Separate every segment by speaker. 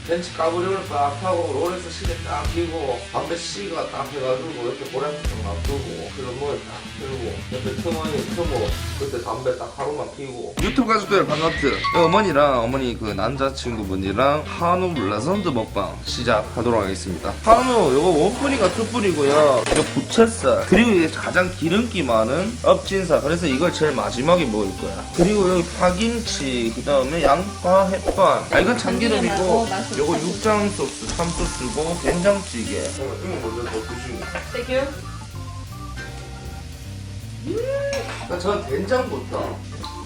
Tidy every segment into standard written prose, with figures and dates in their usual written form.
Speaker 1: 벤치 까부리를 딱 하고 롤에서 시계 딱 끼고 담배 씨가 딱 해가지고 이렇게 고량주좀 놔두고 그런 뭐에 딱 들고 옆에 터모 그때 담배 딱 하루만 피고. 유튜브 가족들 반갑트. 어머니랑 어머니 그 남자친구분이랑 한우 블라선드 먹방 시작하도록 하겠습니다. 한우 요거 원뿌리가 투뿌리고요. 이거 부채살 그리고 이게 가장 기름기 많은 엎진살. 그래서 이걸 제일 마지막에 먹을 거야. 그리고 여기 파김치 그 다음에 양파 햇반. 아 이건 참기름이고 요거 육장 소스 참소스고 된장찌개. 이거 먼저 더 드시고.
Speaker 2: 땡큐.
Speaker 1: 전 된장부터.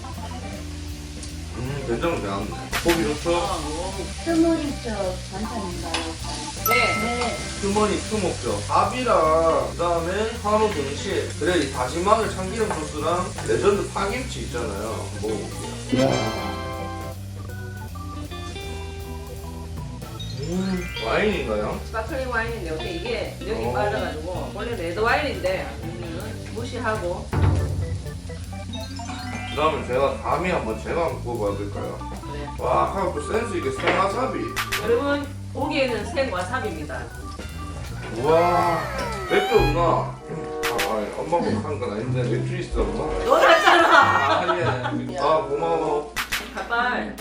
Speaker 1: 된장은 매웠네. 고기 좋죠?
Speaker 3: 스모리 쪽 반찬인가요?
Speaker 2: 네.
Speaker 1: 주머니 투목죠. 밥이랑 그다음에 한우 등심. 그래 이 다진 마늘 참기름 소스랑 레전드 파김치 있잖아요. 먹어볼게요. 와인인가요?
Speaker 2: 스파클링 와인인데 어때 이게 여기 빠져가지고 원래 레드 와인인데 무시하고.
Speaker 1: 그 다음에 제가 감이 한번 제가 한번 구워봐야 될까요?
Speaker 2: 그래.
Speaker 1: 와, 하고 또 센스 있게 생와사비.
Speaker 2: 여러분 고기에는 생와사비입니다.
Speaker 1: 우와, 맥주 없나? 엄마가 한 건 아닌데 맥주 있어 엄마?
Speaker 2: 너 샀잖아.
Speaker 1: 아, 예. 아, 고마워.
Speaker 2: 가발.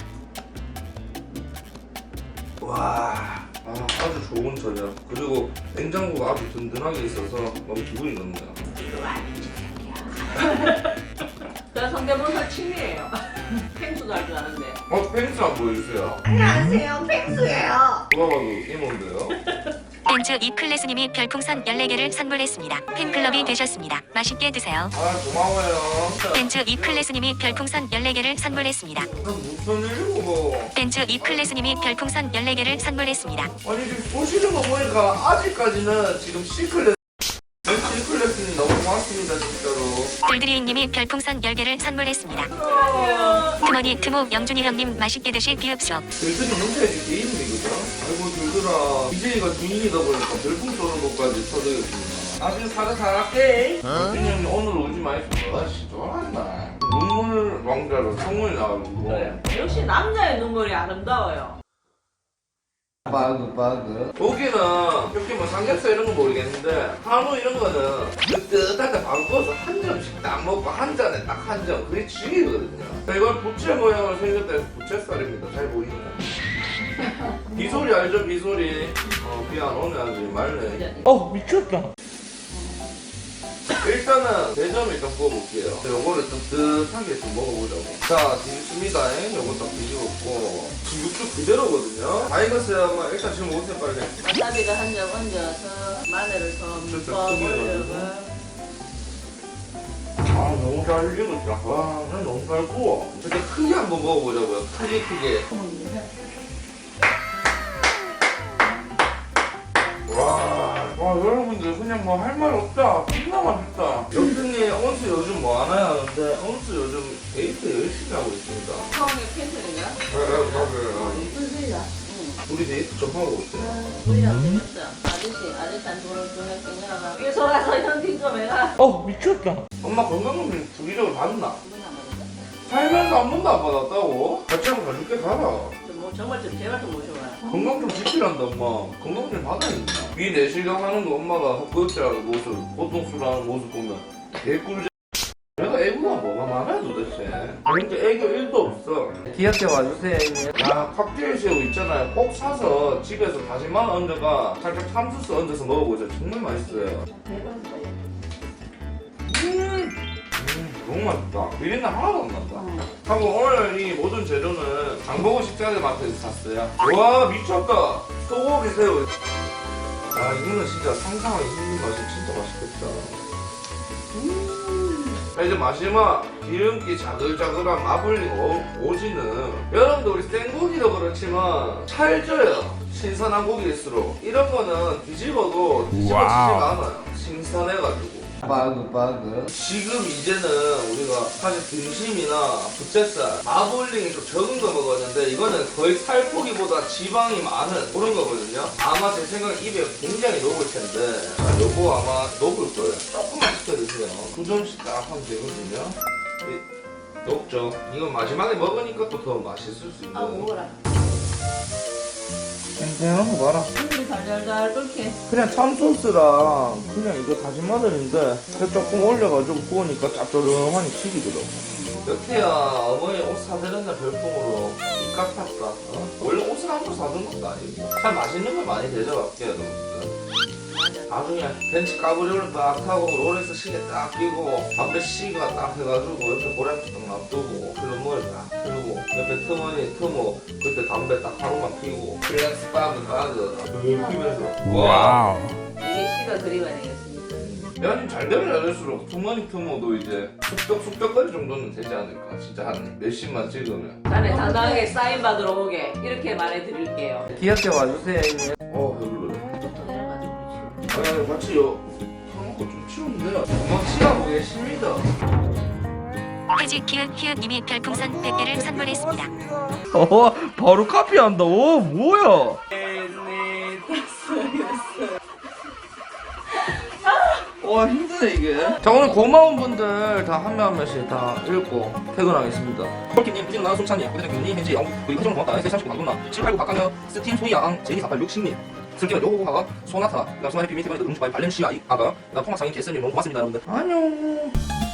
Speaker 1: 와, 아주 좋은 저녁. 그리고 냉장고가 아주 든든하게 있어서 너무 기분이 좋네요.
Speaker 2: 저 성대모사 친이에요. 펭수도 할 줄 아는데.
Speaker 1: 펜스 한번 보여주세요.
Speaker 3: 안녕하세요, 펭수예요.
Speaker 1: 누가 봐도 이모인데요?
Speaker 4: 벤츠 이클래스님이 별풍선 14개를 선물했습니다. 팬클럽이 되셨습니다. 맛있게 드세요.
Speaker 1: 아, 고마워요.
Speaker 4: 벤츠 이클래스님이 별풍선 14개를 선물했습니다.
Speaker 1: 무슨 일이고?
Speaker 4: 벤츠 이클래스님이 별풍선 14개를 선물했습니다.
Speaker 1: 아니 지금 보시는 거 보니까 아직까지는 지금 C클래스 C클래스님 너무 고맙습니다 진짜로.
Speaker 4: 들드리잉님이 별풍선 10개를 선물했습니다.
Speaker 2: 안녕.
Speaker 4: 트머니 트모 영준이 형님 맛있게 드실 비읍소.
Speaker 1: 들들이 문자해줄 게 있네 그죠? 아이고 들들아 BJ가 주인이다 보니까 별풍 쏘는 것까지 쳐드렸습니다. 나중에 사자 잘할게. 형님 오늘 오지 마있어. 아씨 좋아한다. 눈물 왕자로 성문이 나가지고.
Speaker 2: 그래. 역시 남자의 눈물이 아름다워요.
Speaker 1: 바그 고기는 이렇게 뭐 삼겹살 이런 건 모르겠는데 한우 이런 거는 뜨뜻할 때 바로 구워서 한 점씩 딱 먹고 한 잔에 딱 한 점 그게 죽이거든요. 이건 부채 모양으로 생겼다 해서 부채살입니다. 잘 보이나요? 비소리 알죠? 비소리. 비 안 오네 아주 말네. 미쳤다. 일단은 대점 일단 구워볼게요. 요거를 뜨뜻하게 좀 먹어보자고. 자, 뒤집습니다. 요거 딱 뒤집었고 육즙 그대로거든요. 다 익었어요. 일단 지금 오세요 빨리.
Speaker 2: 와사비를 한 점 얹어서 마늘을 좀
Speaker 1: 슬슬
Speaker 2: 더
Speaker 1: 크게
Speaker 2: 올려서.
Speaker 1: 아 너무 잘 익었다. 와, 난 너무 잘 구워. 근데 크게 한번 먹어보자고요. 크게. 와 여러분들 그냥 뭐 할 말 없다. 진짜 맛있다. 영준님 온수 요즘 뭐 하나요 하는데 온수 요즘 데이트 열심히 하고 있습니다.
Speaker 2: 처음에 팬트는요?
Speaker 1: 맞아요.
Speaker 3: 이쁜 빌라.
Speaker 1: 우리 데이트 좀 하고 있어요.
Speaker 2: 우리랑 재밌어. 아저씨한 돈을 주는 끼냐가. 이거 가서 현金좀 해라.
Speaker 1: 미쳤다. 엄마 건강검진 주기적으로 받나?
Speaker 2: 기분 안 받는다.
Speaker 1: 살면서 한 번도 안 받았다고? 같이 한번 가줄게 가라.
Speaker 2: 뭐 정말 좀 제발 좀 모셔봐요.
Speaker 1: 건강 좀 지키란다 엄마. 건강 좀 받아야겠다. 이 내시경 하는 거 엄마가 헛구역질하는 모습, 보통 술하는 모습 보면 개꿀. 내가 애구가 뭐가 많아 도대체. 근데 애교 1도 없어. 기한테 와주세요. 야 칵테일 새우 있잖아요. 꼭 사서 집에서 다진 마늘 얹어가 살짝 참소스 얹어서 먹어보자. 정말 맛있어요. 너무 맛있다. 비린내 하나도 안 난다. 하고 오늘 이 모든 재료는 장보고 식자재 마트에서 샀어요. 와 미쳤다. 소고기 새우. 아 이거는 진짜 상상하기 힘든 맛이 진짜 맛있겠다. 자, 이제 마지막 기름기 자글자글한 마블링 오지는 여러분들 우리 생고기도 그렇지만 찰져요. 신선한 고기일수록 이런 거는 뒤집어도 뒤집어지지가 않아요. 신선해가지고. 바그 지금 이제는 우리가 사실 등심이나 부채살, 마블링이 좀 적은 거 먹었는데 이거는 거의 살코기보다 지방이 많은 그런 거거든요. 아마 제 생각에 입에 굉장히 녹을 텐데 요거 아마 녹을 거예요. 조금만 시켜드세요. 9점씩 딱 하면 되거든요. 녹죠. 이건 마지막에 먹으니까 또 더 맛있을 수 있는.
Speaker 2: 먹어라.
Speaker 1: 싱싱한 거 봐라.
Speaker 2: 국물이 달달달 끓게.
Speaker 1: 그냥 참소스랑 그냥 이거 다진 마늘인데 조금 올려가지고 구우니까 짭조름하니 튀기더라고. 여태야 어머니 옷 사드렸나 별풍으로 입 깎았다. 원래 옷을 한 번 사준 것도 아니고 참 맛있는 걸 많이 대접할게요 여러분들. 나중에 벤치 까브리를 딱 타고 롤에서 시계 딱 끼고 담배 씨가 딱 해가지고 옆에 고량주 딱 놔두고 필름머리 딱 피우고 옆에 트모 그때 담배 딱 하루만 피우고 플렉스 바그 피면서 와
Speaker 2: 이게 씨가 그리가 되겠습니다.
Speaker 1: 야님 잘 되면 잘 될수록 투머니투모도 이제 숙덕거리 정도는 되지 않을까. 진짜 한 몇십만 찍으면.
Speaker 2: 자네 당당하게 사인 받으러 오게 이렇게 말해드릴게요.
Speaker 1: 귀엽게 와주세요 형님. 별로래.
Speaker 2: 좀 내려가지고
Speaker 1: 아니 같이 먹고 좀 치우는데요. 치하고 계십니다.
Speaker 4: 해지 키읔키읔님이 별풍선 100개를 선물했습니다.
Speaker 1: 바로 카피한다. 뭐야. 와 힘드네 이게. 자 오늘 고마운 분들 다 한 명 한 명씩 다 읽고 퇴근하겠습니다. 폴키님, 후진나, 숨찬이, 고대장균님, 헨지, 영국, 그리고 해정 고맙다, S39 강동나, 789 박강현, 스팀, 소희양, 제이48 60님, 슬기가 요호하가, 소나타, 수마리 비밀 태반에도 음주바이 발렌시아 아가, 통화상인 개스님 너무 고맙습니다 여러분들. 안녕.